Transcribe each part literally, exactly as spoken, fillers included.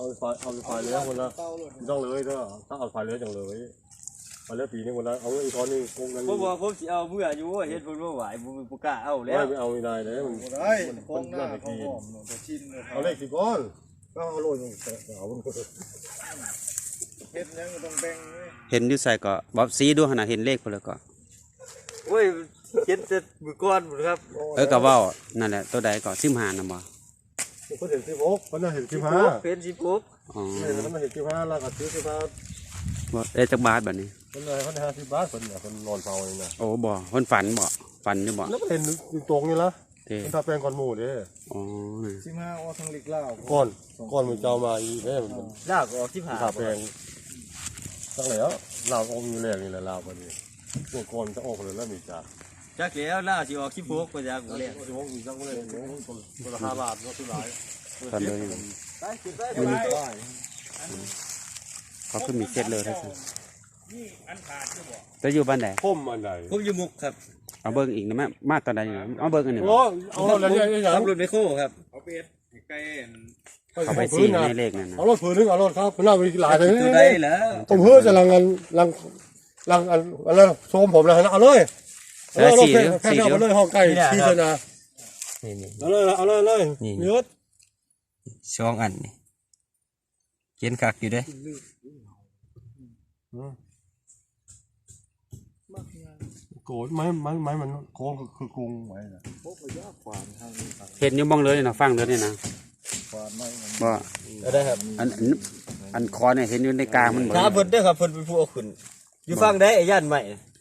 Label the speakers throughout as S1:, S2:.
S1: เอาไฟเอาไฟเลี้ยงคนละต้องเลยเด้อถ้าเอาไฟเลี้ยงจังเลยไฟเลี้ยงปีนี้คนละเอาอีกตอนนึงคงกัน
S2: ผมบอกผมสิเอาเมื่ออยู่เฮ็ดเพิ่นบ่ไหวบ่บ่กล้าเอาแล้ว
S1: ไม่เอาไม่ได้เลยมัน
S3: ได้กองหน้าเขาหอมจะชินเลย
S1: เอาเลขสิก้อนก็เอาโรยเอา
S3: เฮ็ดยังต้องแบ่ง
S4: เห็นอยู่ใส่ก็บ่สีดูขนาดเห็นเลขพุ่นแล้วก็
S2: โอ้ยเฮ็ดแต่มื้อก่อนพุ่นครับ
S4: เออก็เว้านั่นแหละตัวใดก็สิบห้านำบ่
S1: เพิ่นเห็นสิบหกเพิ่นเห็นสิบห้า
S2: เป็นสิบหก
S4: อ๋อ
S1: เพิ่นเห็นสิบห้าแล้วก็ซื้อสิบห้า
S4: บ่ได้จักบาทบัดนี้
S1: เพิ่นได้เพิ่นห้าสิบบาทเพิ่นเพิ่นนอนเฝ้านี่นะ
S4: โอ้บ่เพิ่นฝันบ่ฝันอยู่บ่
S1: แล้วเห็นอยู่ตรงนี่ล่ะเพิ่นทาแปลงก่อนหมู่เด้
S4: อ๋อ
S3: สิบห้าออกทางลิกลาว
S1: ก่อนก่อนมันเจ้ามาอีเด้มัน
S2: ลากออกสิบห้า
S1: ทาแปลงตั้งแล้วลาวออกอยู่แล้วนี่แหละลาวบัดนี้ตัวก่อนจะออกเลยแล้วมีจ้า
S2: จักแล้วล่าสิออกสิบหกก็จักบ่แล้ว
S1: สิบหกอีกจังบ่ได้คนละห้าบาทเนาะสุดหลาย
S4: ฝันเลย
S2: ไปกินไปไป
S4: เขาคือมีเซ็ตเลยท่านนี่อันขาดอยู่บ่จะอยู่บ้านไหน
S1: พุ่มอันไหน
S2: ผมอยู่มุกครับ
S4: เอาเบิ้งอีกนะแม่มาตอนใดอยู่เอาเบิ้งอันนี้
S1: โอ้เอารถอะไรอย่าง
S2: ขับรถไมโครครับ
S3: เอาเป็ดไก่
S4: เขาไปซีในเลขนั่นนะ
S1: เอารถผืนนึงเอารถครับคุณน่ามีหลายเลย
S2: ตัวใดเหรอ
S1: ผมเฮ้ยจะลังลังลังลังอะไรโซมผมเลยนะเอาเลยเอาเลยแค่เอาเลยห้องไก่ชีชนะ
S2: นี่นี่
S1: เอาเลยเอาเลยเลยเยอะ
S2: ช่องอันนี่เขียนคักอยู่เด้
S1: โกรธไม้ไม้ไม้มันโค้งคือกรุงไว้นะ
S4: เห็นอยู่มองเลยนะฟังเลยนี่นะบ่
S2: ได้ครับ
S4: อันอันคอเนี่ยเห็นอยู่ในกลางมันบ่
S2: ครับเพิ่นเด้อครับเพิ่นเป็นผู้เอาขึ้นอยู่ฟังได้ไอ้ย่านใหม่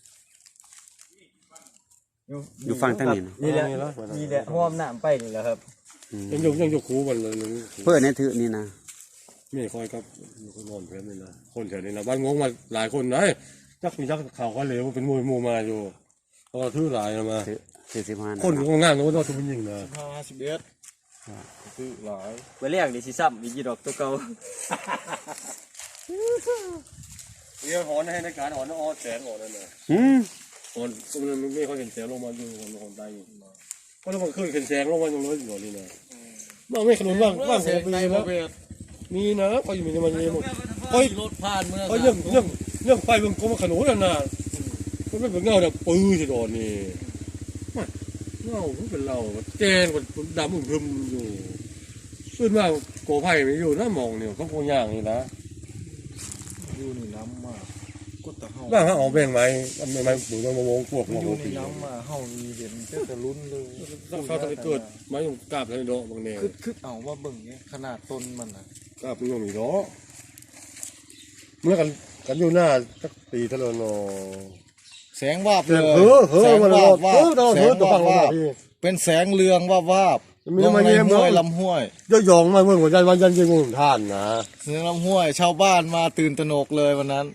S4: อยู่ฟังทั้งนี้
S2: นี่แหละนี่แหละห้อมน้ำไปนี่แหละครับ
S1: ยังอยู่ยังอยู่คูบันเลย
S4: เพื่อนนี่ถือนี่นะ
S1: ไม่ค่อยครับคนนอนเพื่อนนี่นะคนแถวนี้นะบ้านงงมาหลายคนนะจักมีจักข่าวเขาเหลวเป็นมวยมูมาอยู่ก็ถือหลายมา
S4: สี่สิบห้า
S1: คนงงานแล้วก็ทุบยิงนะ
S3: ห้าสิบเอ็ดถือหลาย
S2: ไปเลี้ยงดิสิซ้ำอีกกี่ดอกตัวเก่า
S1: เรียกหอนให้ในการหอนอ้อแสงหอนนั่นเลย
S4: อืม
S1: หอนมันไม่ค่อยเห็นแสงลงมาอยู่หอนหอนใต้เพราะถ้ามันขึ้นเห็นแสงลงมาตรงนู้นอยู่นี่นะบ้างไม่ขนุนบ้างบ้างผมมีแล้วมีนะเขาอยู่มีมันมีหมดเขา
S2: รถผ่านเมือง
S1: เขาเรื่องเรื่องเรื่องไฟมันก็มาขนุนน่ะมันไม่เป็นเงาแบบปื้อที่โดนนี่เงาเป็นเราแจนกว่าดำอึมครึมอยู่ขึ้นมาโกไผ่ไม่อยู่นะมองเนี่ยเขาโกย่างนี่นะ
S3: อยู่นี่น้ำมาก็ตะเฮา
S1: บ้างฮะออกแบ่งไหมไม่ไม่ดูต้องมามองพวกมอง
S3: อยู่นี่น้ำมาเฮามีเห็นแต่ลุ้นเลย
S1: เขาจะเกิดไม้ยงกาบเลยโดบางเนี่ย
S3: คือคือเอาว่าเบิ่งเนี่ยขนาดต้นมันอ่ะ
S1: กาบมันยังมีล้อเมื่อกันกันอยู่หน้าสักปีทะเลนอ
S3: แสงวาบเลย
S1: เฮ้อเฮ้อมันวาบวาบแสงวาบวาบ
S3: เป็นแสงเรืองวาบวาบลงในห้วยลำห้วย
S1: ย่อยองมาเมื่อวันจันทร์วันจันทร์ยิงงท่านนะ
S3: เสียงลำห้วยชาวบ้านมาตื่นตระหนกเลยวันนั้น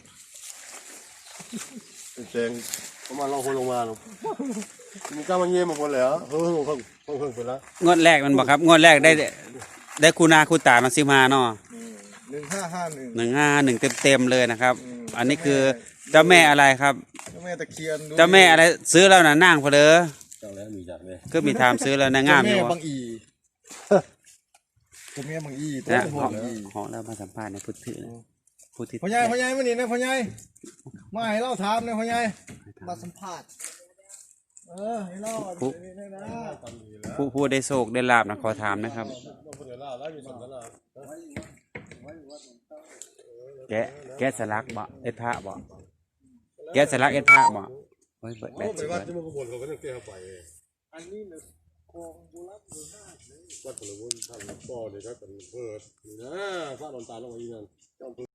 S1: แสงประมาณเราคนลงมาเนาะมีการมาเยี่ยมมาคนแล้วเฮ้อเพิ่งเพิ่งเพิ่งไปแล้ว
S4: งวดแรกมันบอกครับงวดแรกได้ได้คูนาคูตามาซิมาเนาะ
S3: หนึ่งห้าห้าหนึ่ง
S4: หนึ่งห้าหนึ่งเต็มเต็มเลยนะครับอันนี้คือเจ้าแม่อะไรครับ
S3: เจ้าแม่ตะเคียน
S4: เจ้าแม่อะไรซื้อแล้วนะนั่งพอเลย
S1: เจ้าแล้วมีจักเลย
S4: ก็มีทามซื้อแล้วนะงามอยู่
S3: เจ้าแม่บางอีเจ้าแม่บางอีตัว
S4: หอหอแล้วมาสัมภาษณ์ในพุทธิพุทธิ
S3: พ่อใหญ่พ่อใหญ่มานี่นะพ่อใหญ่มาให้เราถามนะพ่อใหญ่มาสัมภาษณ์เออให้เรา
S4: ผู้ผู้ได้โศกได้ลาบนะขอถามนะครับแกแกสลักบ่เอ็ดพระบ่แกสลักเอ็ดพระบ่เฮ้ยเบิดแบบ
S1: วัดที่มันขบวนเขาก็ต้องแก้ไป
S3: อันนี้เนี่ยคลองบุรักบุรา
S1: วัดพลวนท่านป่อเนี่ยครับเป็นเพิดนะฟ้าดอนตาลงมาอีนั่น